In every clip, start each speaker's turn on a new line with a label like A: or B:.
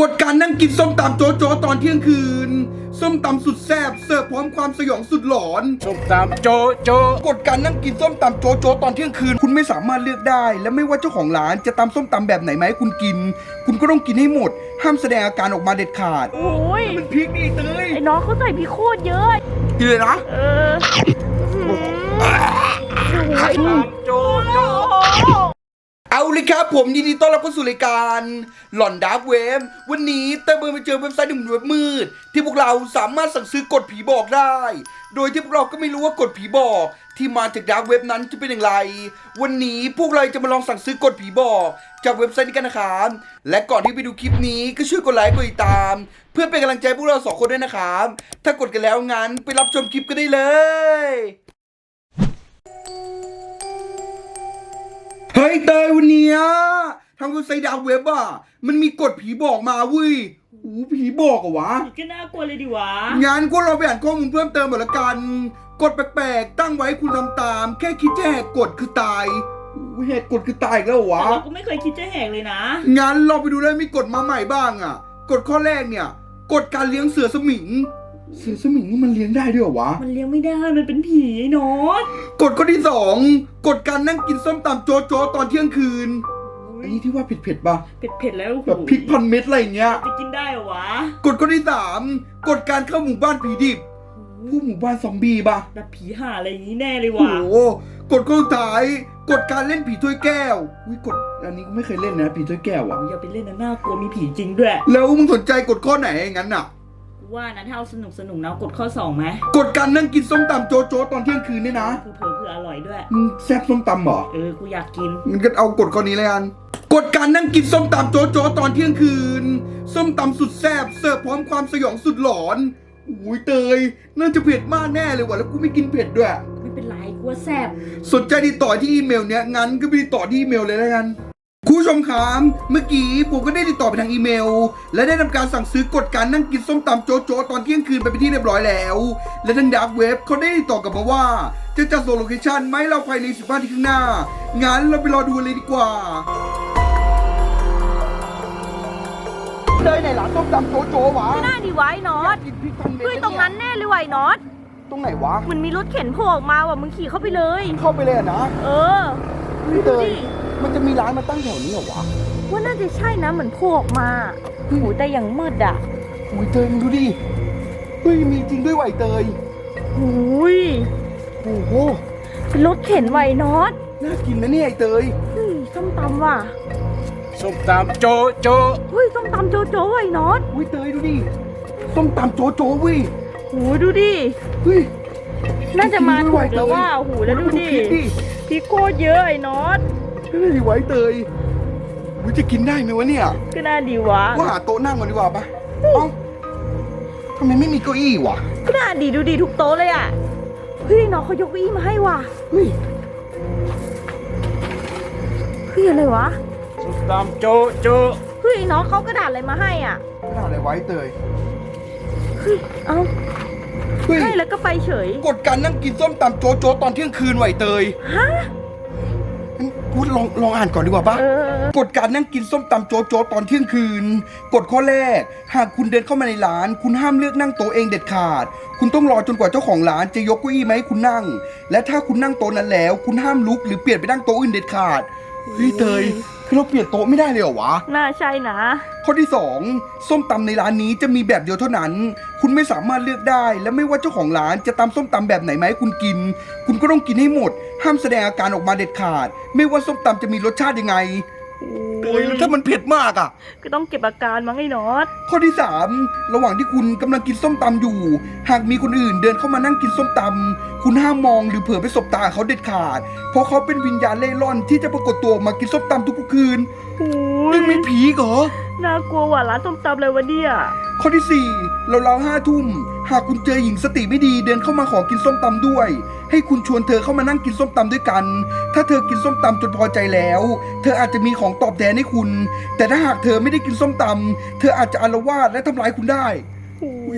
A: กฎการนั่งกินส้มตำโจ๊ะตอนเที่ยงคืนส้มตำสุดแซ่บเสิร์ฟพร้อมความสยองสุดหลอน
B: ส้มตำโจ๊ะ
A: กฎการนั่งกินส้มตำโจ๊ะตอนเที่ยงคืนคุณไม่สามารถเลือกได้และไม่ว่าเจ้าของร้านจะตำส้มตำแบบไหนมาให้คุณกินคุณก็ต้องกินให้หมดห้ามแสดงอาการออกมาเด็ดขาด
C: โอ้ย
A: มันพริกนี่เตย
C: ไอ้น้องเขาใส่พริกโคตรเยอะ
A: กินเลยนะ
B: โจ๊ะ
A: เอาเลยครับผมยินดีต้อนรับเข้าสู่รายการหลอนดาร์กเว็บวันนี้เต้ยเบิร์ไปเจอเว็บไซต์หนึ่งเว็บมืดที่พวกเราสามารถสั่งซื้อกฎผีบอกได้โดยที่พวกเราก็ไม่รู้ว่ากฎผีบอกที่มาจากดาร์กเว็บนั้นจะเป็นอย่างไรวันนี้พวกเราจะมาลองสั่งซื้อกฎผีบอกจากเว็บไซต์นี้กันนะครับและก่อนที่ไปดูคลิปนี้ก็ช่วยกดไลค์กดติดตามเพื่อเป็นกำลังใจพวกเรา2 คนด้วยนะครับถ้ากดกันแล้วงั้นไปรับชมคลิปกันได้เลยเฮ้ยเตยวันนี้ทางเว็บไซต์ดาร์กเว็บอ่ะมันมีกฎผีบอกมาเว้ยโอ้ผีบอกเหรอวะ
C: ก็น่ากลัวเลยดิวะ
A: งั้นก็เราไปอ่านข้อมูลเพิ่มเติมหมดละกันกฎแปลกๆตั้งไว้คุณทำตามแค่คิดจะแหกกฎคือตายแหกกฎคือตายอีกแล้ววะ
C: เราก็ไม่เคยคิดจะแหกเลยนะ
A: งั้นเราไปดูเลยมีกฎมาใหม่บ้างอ่ะกฎข้อแรกเนี่ยกฎการเลี้ยงเสือสมิงนี่มันเลี้ยงได้ด้วยเหรอวะ
C: มันเลี้ยงไม่ได้มันเป็นผีไอ้นอต
A: กฎข้อที่2กฎการนั่งกินส้มตำโจ๊ะตอนเที่ยงคืนอันนี้ที่ว่าเผ็ดป่ะ
C: เผ็ดแล้ว
A: แบบพริกพันเม็ดอะไรอย่างเงี้ย
C: จะกินได้เหรอวะ
A: กฎข้อที่3กฎการเข้าหมู่บ้านผีดิบผู้หมู่บ้านซอมบี้ป่ะ
C: แบบผีห่าอะไรอย่างนี้แน่เลย
A: โอ้
C: วะ
A: โหกฎข้อสุดท้ายกฎการเล่นผีถ้วยแก้วกฎอันนี้กูไม่เคยเล่นนะผีถ้วยแก้วอ่ะ
C: อย่าไปเล่นนะน่ากลัวมีผีจริงด้วย
A: แล้วมึงสนใจกฎข้อไหนงั้นอ่ะ
C: ว่านะถ้าเอาสนุกนะกดข้อ2ไหม
A: กฎการนั่งกินส้มตำโจ๊ะตอนเที่ยงคืนเนี่ยนะ
C: เผื่ออร่อยด้วย
A: มึงแซ่บส้มตำเหรอ
C: กูอยากกิน
A: มึงก็เอากฎข้อนี้เลยกันกฎการนั่งกินส้มตำโจ๊ะตอนเที่ยงคืนส้มตำสุดแซ่บเสิร์ฟพร้อมความสยองสุดหลอนอุ้ยเตยน่าจะเผ็ดมากแน่เลยว่ะแล้วกูไม่กินเผ็ดด้วย
C: ไม่เป็นไรกูว่าแซ่บ
A: สนใจติดต่อที่อีเมลเนี้ยงั้นก็ไปติดต่อที่อีเมลเลยแล้วกันคุณผู้ชมครับเมื่อกี้ผมก็ได้ติดต่อไปทางอีเมลและได้ทำการสั่งซื้อกฎการนั่งกินส้มตำโจ๊ะตอนเที่ยงคืนไปเป็นที่เรียบร้อยแล้วและทางดาร์กเว็บเขาได้ติดต่อกลับมาว่าจะจัดส่งโลเคชั่นไหมเราภายใน15 นาทีข้างหน้างั้นเราไปรอดูเลยดีกว่าเลยไหนร้านส้มตำโจ๊ะวะ
C: ไม่น่าดีไว้นอตเฮ้ยตรงนั้นแน่เลยไว้นอต
A: ตรงไหนวะ
C: มันมีรถเข็นโผล่ออกมาว่ะมึงขี่เข้าไปเลย
A: นะเตยมันจะมีร้านมาตั้งแถวนี้เหรอวะ
C: ว่าน่าจะใช่นะเหมือนโผล่ออกมาโอ้แต่ยังมืดอ่ะ
A: โอ้ยเตยมึงดูดิเฮ้ยมีจริงด้วยไหวเตย
C: โอ้ย
A: โอ้โห
C: เป็นรถเข็นไว้นอต
A: น่ากินนะเนี่ยไอเตย
C: ส้มตำว่ะ
B: ส้มตำโจ๊ะ
C: เฮ้ยส้มตำโจ๊ะไว้นอต
A: อุ้ยเตยดูดิส้มตำโจ๊ะเว้ย
C: โอ้ยดูดิ
A: เฮ้ย
C: น่าจะมาถูกแล้วว่าโอ้โหแล้วดูดิพี่โคตรเยอะไอ้นอต
A: ก็น่าดีไว้เตยวิจะกินได้ไหมวะเนี่ย
C: ก็น่าดีวะ
A: ว่าหาโต๊ะนั่งก่อนดีกว่าปะเอ้าทำไมไม่มีเก้าอี้วะ
C: ก็น่าดีดูดีทุกโต๊ะเลยอ่ะเฮ้ยน้องเขายกเก้าอี้มาให้ว่ะ
A: เฮ้ย
C: อะไรวะ
B: ส้มตำโจ๊ะ
C: เฮ้ยน้องเขากระดาษอะไรมาให้อ่ะ
A: กระดาษอะไรไว้เตย
C: เฮ้ยเอาให้แล้วก็ไปเฉย
A: กฎการนั่งกินส้มตำโจ๊ะตอนเที่ยงคืนไหวเตย
C: ฮะ
A: พูดลองอ่านก่อนดีกว่าปะกฎการนั่งกินส้มตำโจ๊ะตอนเที่ยงคืนกฎข้อแรกหากคุณเดินเข้ามาในร้านคุณห้ามเลือกนั่งโต๊ะเองเด็ดขาดคุณต้องรอจนกว่าเจ้าของร้านจะยกเก้าอี้มาให้คุณนั่งและถ้าคุณนั่งโต๊ะนั้นแล้วคุณห้ามลุกหรือเปลี่ยนไปนั่งโต๊ะอื่นเด็ดขาดเฮ้ยเตยคือเราเปลี่ยนโต๊ะไม่ได้เลยเหรอวะ
C: น่าใช่นะ
A: ข้อที่2ส้มตำในร้านนี้จะมีแบบเดียวเท่านั้นคุณไม่สามารถเลือกได้และไม่ว่าเจ้าของร้านจะตำส้มตำแบบไหนมาให้คุณกินคุณก็ต้องกินให้หมดห้ามแสดงอาการออกมาเด็ดขาดไม่ว่าส้มตำจะมีรสชาติยังไงเฮ้ยแล้วถ้ามันเผ็ดมากอ่ะ
C: ก็ต้องเก็บอาการมั้งไอ้นอต
A: ข้อที่3ระหว่างที่คุณกำลังกินส้มตำอยู่หากมีคนอื่นเดินเข้ามานั่งกินส้มตำคุณห้ามมองหรือเผลอไปสบตาเขาเด็ดขาดเพราะเขาเป็นวิญญาณเล่ร่อนที่จะปรากฏตัวมากินส้มตำทุกคืนนี่มีผีเหรอ
C: น่ากลัวว่ะร้านส้มตำเลยวะเนี่ย
A: ข้อที่4เรา5 ทุ่มหากคุณเจอหญิงสติไม่ดีเดินเข้ามาขอกินส้มตำด้วยให้คุณชวนเธอเข้ามานั่งกินส้มตำด้วยกันถ้าเธอกินส้มตำจนพอใจแล้วเธออาจจะมีของตอบแทนให้คุณแต่ถ้าหากเธอไม่ได้กินส้มตำเธออาจจะอาละวาดและทำร้ายคุณได้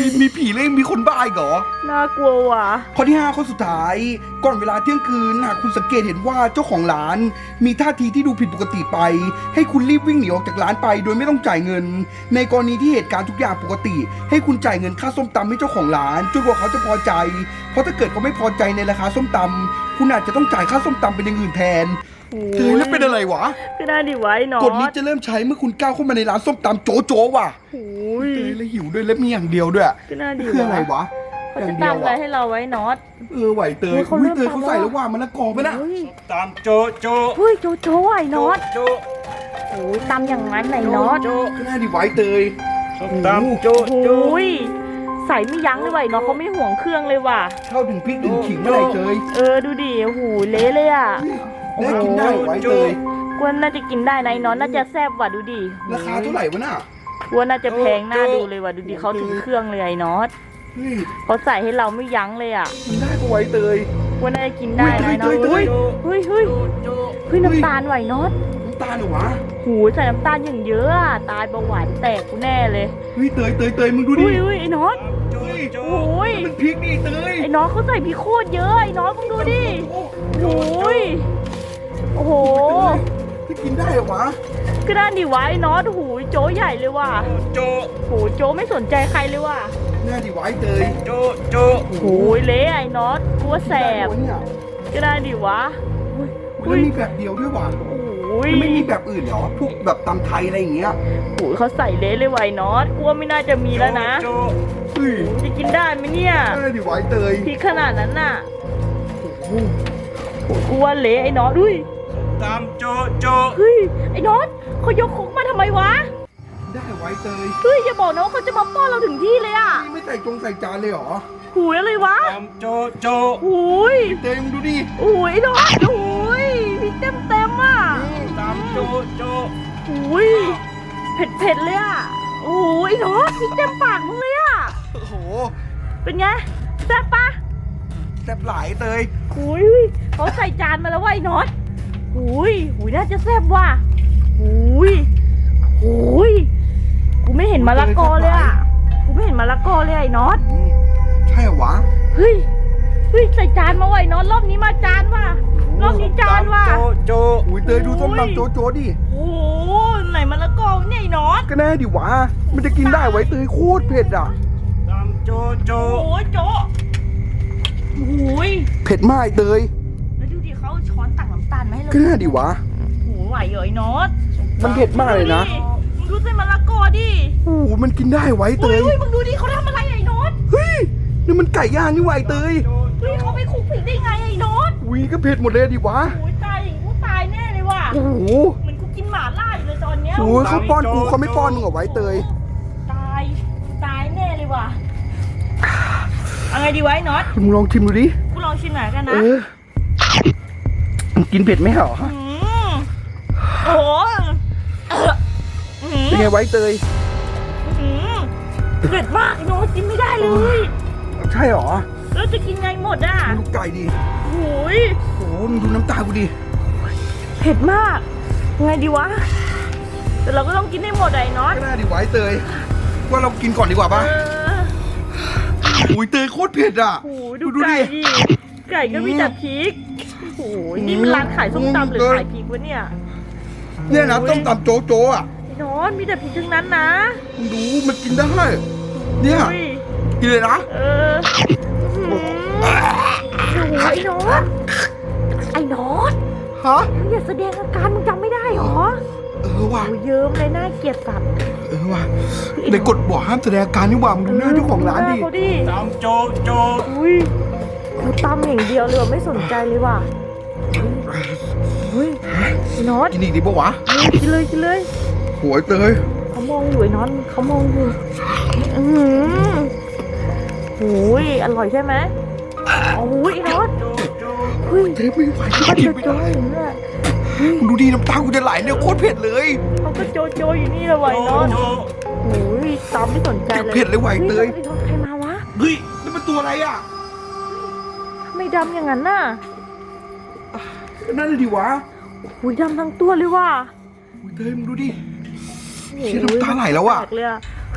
A: มีผีเลยมีคนบ้าอีกเหรอ
C: น่ากลัวว่ะ
A: ข้อที่ 5 ข้อสุดท้ายก่อนเวลาเที่ยงคืนหากคุณสังเกตเห็นว่าเจ้าของร้านมีท่าทีที่ดูผิดปกติไป ให้คุณรีบวิ่งหนีออกจากร้านไปโดยไม่ต้องจ่ายเงิน ในกรณีที่เหตุการณ์ทุกอย่างปกติ ให้คุณจ่ายเงินค่าส้มตำให้เจ้าของร้านจนกว่าเขาจะพอใจ เพราะถ้าเกิดเขาไม่พอใจในราคาส้มตำคุณอาจจะต้องจ่ายค่าส้มตำเป็นอย่างอื่นแทนเธอแล้วเป็นอะไรวะ
C: ก็ได้ดิไว้เนาะ
A: กฎนี้จะเริ่มใช้เมื่อคุณก้าวเข้ามาในร้านส้มตำโจโจว่ะ
C: โอ้ย
A: เธอแล้วหิวด้วยและมีอย่างเดียวด้วย
C: ก็น่าดี
A: คืออะไรวะ
C: เขา
A: อย่า
C: จะ
A: งเดียว
C: ตำอะไร
A: อะ
C: ให้เราไว้น็อต
A: ไหวเตย
C: เฮ้ยเขา
A: อุ้ย
C: เริ่ม
A: เตยเขา
C: ตำ
A: ใส่
C: แล้ว
A: แล้วว่ามันละกอไปนะ
C: เฮ้ย
B: ตามโจโจ
C: เฮ้ยโจโจ้ไอ้น็อต
B: โจ
C: โอ้ยตำอย่างนั้นไหนน็อต
B: โจ
A: ก็น่าดีไหวเตย
B: ส้มตำโจโจ
C: โอ้ยใส่ไม่ยั้งเลยว่ะไอ้น็อตเขาไม่ห่วงเครื่องเลยว่ะ
A: เข้าถึงพริกถึงขิงเมื่อไหร่เตย
C: ดูดิโอ้โหเละเลยอ่ะ
A: ได้กินได้ไหวเตย
C: กวนน่าจะกินได้นะไอ้น็อตน่าจะแซ่บว่ะดูดิ
A: ราคาเท่าไหร่วะน่ะ
C: กวนน่าจะแพงน่าดูเลยว่ะดูดิเขาถึงเครื่องเลยไอ้น็อต
A: เฮ้ย
C: เขาใส่ให้เราไม่ยั้งเลยอ่ะ
A: กินได้ปะไหวเตย
C: กวนน่าจะกินได้นะไอ้น็อต
A: เฮ้ย
C: เฮ้ยเฮ้ยเฮ้ยน้ำตาลไหวน็อต
A: น้ำตาลเหรอวะ
C: หูใส่น้ำตาลอย่างเยอะอะตายเบาหวานแตกกูแน่เลย
A: เฮ้ยเตยมึงดูดิ
C: อุ้ยไอ้น็อต
B: โจโจ
C: โอ้ย
A: มันพริกนี่เตย
C: ไอ้น็อตเขาใส่พริกโคตรเยอะไอ้น็อตมึงดูดิโอ้ยโอ้โห
A: ที่กินได้เหรอวะ
C: ก็ด้านดิวะไอ้น็อตหูยโจใหญ่เลยว่ะ
B: โจ
C: โหโจไม่สนใจใครเลยว่ะ
A: น่าดีไหวเตย
B: โจโจ
C: โหูยเละไอ้น็อตกลัวแสบ
A: ได้วะเนี่ย
C: ก็ได้ดิวะ
A: มันมีแบบเดียวด้วยว่ะ
C: โอ้ย
A: มันไม่มีแบบอื่นเหรอพวกแบบตำไทยอะไรอย่างเงี้ย
C: โหูยเขาใส่เละเลยว่ะไอ้น็อตกลัวไม่น่าจะมีแล้วนะ
B: โจ
A: เฮ้ย
C: จะกินได้ไหมเนี่ย
A: น่าดีไหวเตย
C: พริกขนาดนั้นน่ะ
A: โอ้โห
C: กลัวเละไอ้น็อตอุ้ย
B: ตามโจโจ
C: เฮ้ยไอ้น็อตเขายกคุกมาทำไมวะ
A: ได้ไหวเตย
C: เฮ้ยอย่าบอกนะว่าเขาจะมาป้อนเราถึงที่เลยอ่ะ
A: นี่ไม่ใส่จานเลยเหรอ
C: หูยอะไรวะ
B: ตามโจโจ
C: หูย
A: เตยมึงดูดิ
C: หูยไอ้น็อตหูยพริกเต็มอ่ะ
B: ตามโจโจ
C: หูยเผ็ดเลยอ่ะโอ้ยไอ้น็อตพริกเต็มปากมึงเลยอ่ะ
A: โอ้โห
C: เป็นไงแซ่บปะ
A: แซ่บหลายเตย
C: หูยเขาใส่จานมาแล้วว่ะไอ้น็อตหูยน่าจะแซ่บว่ะหูยกูไม่เห็นมะละกอเลยอ่ะกูไม่เห็นมะละกอเลยไอ้น็อต
A: ใช่เหรอวะ
C: เฮ้ยใส่จานมาไว้น็อตรอบนี้มาจานว่ะรอบนี้จานว่ะ
B: โจโจ
A: อุ้ยเตยดูส้มตำโจดิ
C: โอ้โหไหนมะละกอเนี่ยไอ้น็อต
A: ก็แน่ดิวะ มันจะกินได้ไหวเตยโคตรเผ็ดอ่ะ
B: ตามโจโจ
C: โอ้ยโจะโอ้ย
A: เผ็ดมากเตย
C: แล้วดูดิเขาเอาช้อนตักน้ำตาลมาให้เรา
A: ก็แน่ดิวะ
C: โอ้โหไหวเหรอไอ้น็อต
A: มันเผ็ดมากเลยนะ
C: มึงดูใส่มะละกอดิ
A: โอ้โหมันกินได้ไหวเตย
C: เฮ้ยมึงดูดิเขาทำอะไรไอ้น็อต
A: เฮ้ย นี่มันไก่ย่างนี่ไหวเตย
C: เฮ้ยเขาไปคลุกพริกได้ไงไอ้น็อต
A: อุ้ยก็เผ็ดหมดเลยดิวะ
C: โอ้ยตายอย่างกูตายแน่เลยว่ะ
A: โอ้โห
C: เหมือนกูกินหม่าล่าอยู่เลยตอนเนี้ย
A: โอ้ยเขาป้อนกูเขาไม่ป้อนมึงเหรอไหวเตย
C: ตายแน่เลยว่ะเอาไงดีวะไอ้น็อต
A: มึงลองชิมดูดิ
C: กูลองชิมหน่อยกัน
A: เอ
C: นะ
A: อมึงกินเผ็ดไหมเหรอ
C: มโอ้โหอื้อหือ
A: เป็นไงไหวเตย
C: อื้อหือเผ็ดมากไอ้น็อตกินไม่ได้เลย
A: ใช่เหรอ
C: แล้วจะกินไงหมดอ่ะ
A: ดูไก่ดิ
C: โอ้ย
A: โอ้โหมึงดูน้ำตากูดิ
C: เผ็ดมากไงดีวะแต่เราก็ต้องกินให้หมดอะไอ้น็อต
A: ก็น่าดิไหวเตย ว่าเรากินก่อนดีกว่าปะ
C: เออ
A: อุ้ยเตยโคตรเผ็ดอ่ะ
C: โอ้โหดูไก่ดิไก่ก็มีแต่พริกโอ้โหนี่มันร้านขายส้มตำหรือขายพริกวะเนี่ย
A: เนี่ยนะต้มตำโจอ่ะ
C: ไอ้น็อตมีแต่พริกทั้งนั้นนะ
A: มึงดูมันกินได้ เนี่ย
C: อุ้ย
A: กินเลยนะ
C: เอออื้อหือโอ้โหไอ้น็อตไอ้น็อต
A: ฮะ
C: มึงอย่าแสดงอาการมึงจำไม่ได้หรอ
A: ว่ะ
C: โอ้ยเยิ้มเลยน่าเกลียดสัตว์
A: ว่ะในกฎบอกห้ามแสดงอาการนี่หว่ามึงดูหน้าเจ้าของร้านดิ
C: เขาดิ
B: ตามโจโจ
C: อุ้ยเขาตำอย่างเดียวเลยว่ะไม่สนใจเลยว่ะเฮ้ยไอ้น็อต
A: กินอีกดีปะวะ
C: เฮ้ยกินเลย
A: โหยเตย
C: เขามองอยู่ไอ้น็อตเขามองอยู่อือหือโอ้ยอร่อยใช่ไหมโอ้ยไอ้น็อต
B: โจโจ
C: เฮ้ย
A: เตยไม่ไหว
C: เขา
A: กิน
C: โจ
A: ไม่
C: โจ
A: ได้
C: อยู่เนี่ย
A: มึงดูดีน้ำตากูจะไหลเนี่ยโคตรเผ็ดเลย
C: เขาก็โจโจอยู่นี่เลยว่ะไอ้น็อต
B: โจ
C: โอ้ยตามไม่สนใจเลย
A: เผ็ดเลยว่ะไอ้เตย
C: ฮ้ไอ้น็อตใครมาวะ
A: เฮ้ยนี่มันตัวอะไรอ่ะ
C: ทำไมดำอย่างนั้นน่ะ
A: นั่นเลยดิวะ
C: โอ้ยดำทั้งตัวเลยว่ะ
A: โอ้ยเตยมึงดูดิ เชี่ยน้ำตาไหลแล้วอะ
C: แปกเลยอะ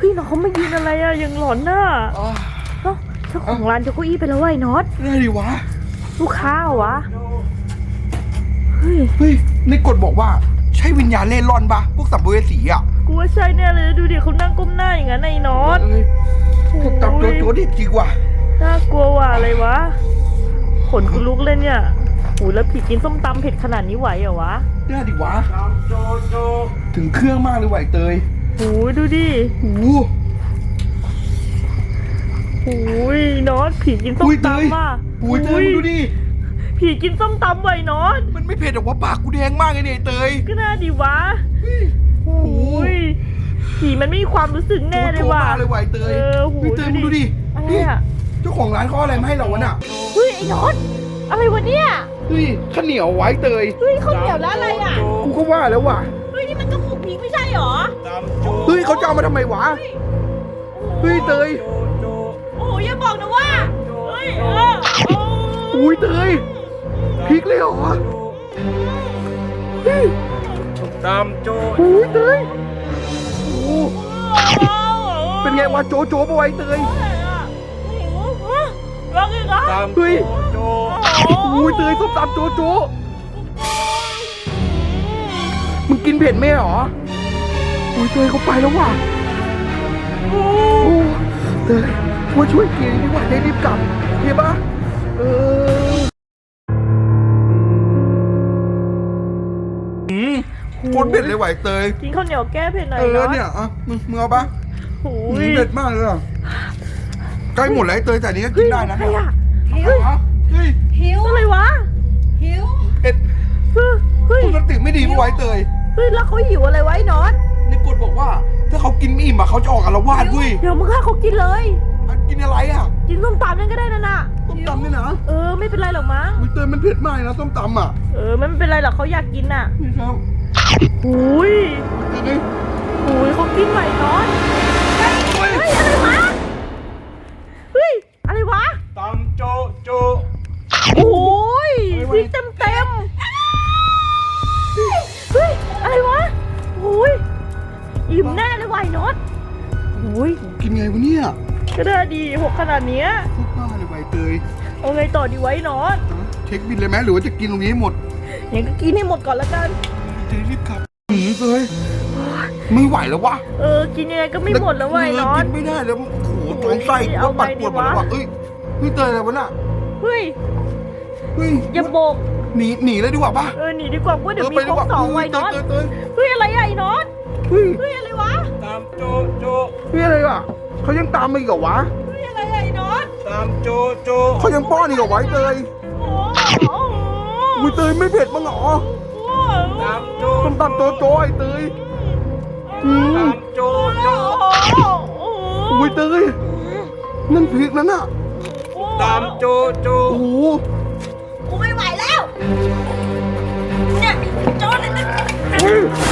C: ฮ้ยน้องเขามายืนอะไรอะยังหลอนน่ะ
A: อ่า
C: เอ้าเจ้าของร้านยกเก้าอี้ไปแล้ววะไอ้น็อต
A: ได้ดิวะ
C: ลูกค้าเหรอวะเฮ้ย
A: เฮ้ยในกฎบอกว่าใช่วิญญาณเล่ร่อนปะพวกสัมภเวสีอ่ะ
C: กูว่าใช่แน่เลยดูดิเขานั่งก้มหน้าอย่างนั้นไอ้น็อต
A: เอ้ยพวกจับโจดิจริงว่ะ
C: น่ากลัวว่ะอะไรวะขนกูลุกเลยเนี่ยโอ้ยแล้วผีกินส้มตำเผ็ดขนาดนี้ไหวเหรอวะ
A: ได้ดิวะ
B: จอมโจโจ
A: ถึงเครื่องมากเลยไหวเตย
C: โอ้ยดูดิ
A: โอ้โห
C: โอ้ยน็อตผีกินส้ม
A: อุ้ยเตย
C: ตำว่ะ
A: อุ้ยเตยมึงดูดิ
C: ผีกินส้มตำไว้น็อต
A: มันไม่เผ็ดหรอกว่าปากกูแดงมากเลยเนี่ยไอ้เตย
C: ก็น่าดีวะ
A: โอ้โห
C: โอ้ยผีมันไม่มีความรู้สึกแน่เลยว่ะ
A: โจมาเลยไหวเตย
C: โห
A: เฮ้ยเตยมึงดูดิ
C: อะไร
A: นี่
C: อะ
A: เจ้าของร้านเขาเอาอะไรมาให้เราวะน่ะ
C: เฮ้ยไอ้น็อตอะไรวะเนี่ย
A: เฮ้ยข้าวเหนียวไว้เตย
C: เฮ้ยข้าวเหนียวแล้วอะไรอ่ะ
A: กูก็ว่าแล้วว่ะ
C: เฮ้ยนี่มันก็หมูพริกไม่ใช่หรอ
B: จอมโจ
A: เฮ้ยเขาจะเอามาทำไมวะ เฮ้ยเตย
B: โจ
C: โอ้ยอย่าบอกนะว่าเฮ้ยโอ้
A: อุ้ยเตยพริกเลยเหรอเฮ้ย
B: จอมโจ
A: อุ้ยเตยโอ้โหเป็นไงวะโจโจปะไว้เตย
C: รักอีกเหรอ
B: จอม
A: เฮ้ย
B: โจ
A: อุ้ยเตยส้มตำโจโจมึงกินเผ็ดไหมเหรออุ้ยเตยเขาไปแล้วว่ะโอ้เตยว่าช่วยกินดีกว่าได้รีบกลับโอเคปะโคตรเผ็ดเลยไหวเตย
C: กินข้าวเหนียวแก้เผ็ดหน่อย
A: เออ
C: เนาะ
A: เนี่ยอ่ะมึงเอาปะ
C: โอ้
A: หื
C: ย
A: มเผ็ดมากเลยอ่ะใกล้หมดแล้วไอ้เตยแต่อันนี้ก็กิ
C: เฮ้
A: น
C: ย
A: ได้นะ
C: ใครอะ
A: เอาวะเฮ้ย
D: หิว
C: อะไรวะ
D: หิว
A: เอ็ด
C: เฮ้ย
A: ปกติไม่ดีปะไว้เตย
C: เฮ้ยแล้วเขาหิวอะไรไว้นอน
A: ในกฎบอกว่า ถ้าเขากินไม่อิ่มอะเขาจะออกอาละวาดเว้ย
C: เดี๋ยวมึงฆ่าเขากินเลย
A: อ่ะกินอะไรอ่ะ
C: กินส้มตำนั่นก็ได้นะน่ะ
A: ส้มตำเนี่ยนะ
C: เออไม่เป็นไรหรอกมั้ง
A: อุ้ยเตยมันเผ็ดมากนะส้มตำอ่ะ
C: เออไม่เป็นไรหรอกเขาอยากกินน่ะ
A: นี่ครับ
C: หุย
A: เตย
C: หุยเขากินไหวนอน
A: โอ้ย
C: เฮ้ยอะไรวะ เฮ้ยอะไรวะ
B: จอมโจโจ
C: โอ้ยพริกเต็มเต็มเฮ้ยอะไรวะโอ้ยอิ่มแน่เลยไวน็อตโอ้ย
A: กินไงวะเนี่ย
C: ก็ได้ดีหกขนาดเนี้ย
A: โคตรบ้าเลยไวเตย
C: เอาไงต่อดีไว้น็อต
A: เช็คบินเลยไหมหรือว่าจะกินตรงนี้ให้หมด
C: ยังก็กินให้หมดก่อนละกัน
A: เตยรีบกลับเตยไม่ไหวแล้ววะ
C: เออกินยังไงก็ไม่หมดแล้วไวน็อ
A: กิ
C: ต
A: นไม่ได้แล้วโอ้โหท้องไส้กูว่าปัดปวดหมดแล้วว่ะเอ้ยเฮ้ยเตยอะไรวะน่ะ
C: เฮ้ย
A: เฮ้ย
C: อย่าโบก
A: หนีเลยดีกว่าปะ
C: เออหนีดีกว่าว่าเดี๋ยวมี
A: ไป
C: ค
A: ดี
C: ร
A: ก
C: บ
A: ว่า
C: สองไวน็อต
A: เตย
C: เฮ้ยอะไรอะไอ้น็อต
A: เฮ้ย
C: เฮ้ยอะไรวะ
B: จอมโจโจ
A: เฮ้ยอะไรอ่ะเขายังตามมาอีกเหรอวะ
C: เฮ้ยอะไรอะไอ้น็อต
B: จอมโจโจ
A: เขายังป้อนอีกเหรอวะไอ้เตย
C: โอ้
A: อุ้ยเตยไม่เผ็ดมั้งเหรอ
B: จอมโจ
A: ส้มตำโจโจไอ้เตยอื
B: จ
A: ม
B: อมโจโจ
A: อุ้ยเตยนั่นพริกนั่นน่ะ
B: จอมโจโจ
A: โอ้โห
D: กูไม่ไหวแล้ว เนี่ยโจนเนี่ย
A: เฮ้ย